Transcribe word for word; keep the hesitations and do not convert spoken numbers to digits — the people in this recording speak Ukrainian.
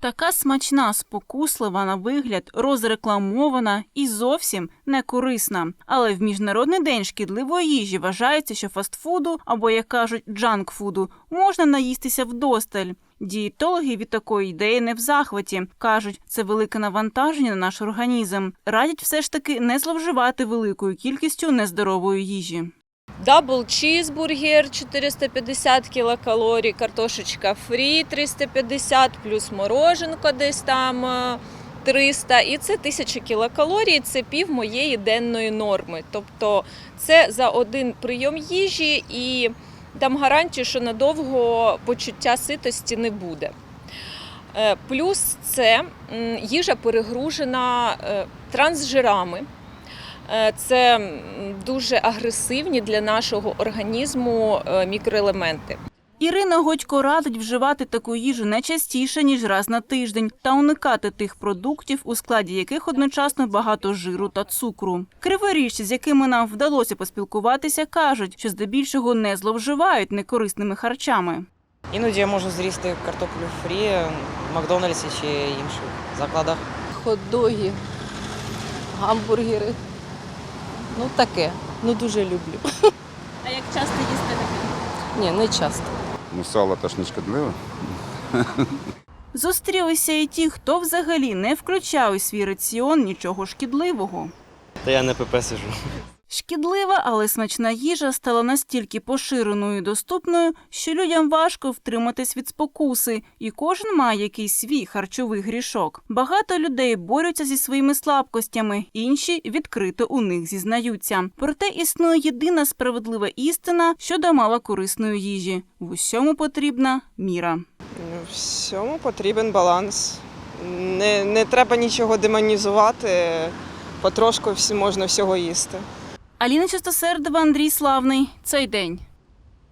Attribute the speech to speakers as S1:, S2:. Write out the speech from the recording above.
S1: Така смачна, спокуслива на вигляд, розрекламована і зовсім не корисна. Але в Міжнародний день шкідливої їжі вважається, що фастфуду, або, як кажуть, джанкфуду, можна наїстися вдосталь. Дієтологи від такої ідеї не в захваті. Кажуть, це велике навантаження на наш організм. Радять все ж таки не зловживати великою кількістю нездорової їжі.
S2: Дабл чізбургер чотириста п'ятдесят кілокалорій, картошечка фрі триста п'ятдесят, плюс мороженко десь там триста. І це тисяча кілокалорій, це пів моєї денної норми. Тобто це за один прийом їжі і дам гарантію, що надовго почуття ситості не буде. Плюс це їжа перегружена трансжирами. Це дуже агресивні для нашого організму мікроелементи.
S1: Ірина Годько радить вживати таку їжу не частіше, ніж раз на тиждень, та уникати тих продуктів, у складі яких одночасно багато жиру та цукру. Криворіжці, з якими нам вдалося поспілкуватися, кажуть, що здебільшого не зловживають некорисними харчами.
S3: Іноді я можу зрізати картоплю фрі в Макдональдсі чи інших закладах.
S4: Хот-доги, гамбургери. Ну таке, ну дуже люблю.
S2: А як часто їсти таке?
S4: Ні, не часто.
S5: Ну, сало теж не шкідливе.
S1: Зустрілися і ті, хто взагалі не включав у свій раціон нічого шкідливого.
S6: Та я не ПП сижу.
S1: Шкідлива, але смачна їжа стала настільки поширеною і доступною, що людям важко втриматись від спокуси, і кожен має якийсь свій харчовий грішок. Багато людей борються зі своїми слабкостями, інші відкрито у них зізнаються. Проте існує єдина справедлива істина щодо малокорисної їжі. В усьому потрібна міра.
S7: В всьому потрібен баланс. Не, не треба нічого демонізувати, потрошку всі, можна всього їсти.
S1: Аліна Чистосердова, Андрій Славний. Цей день.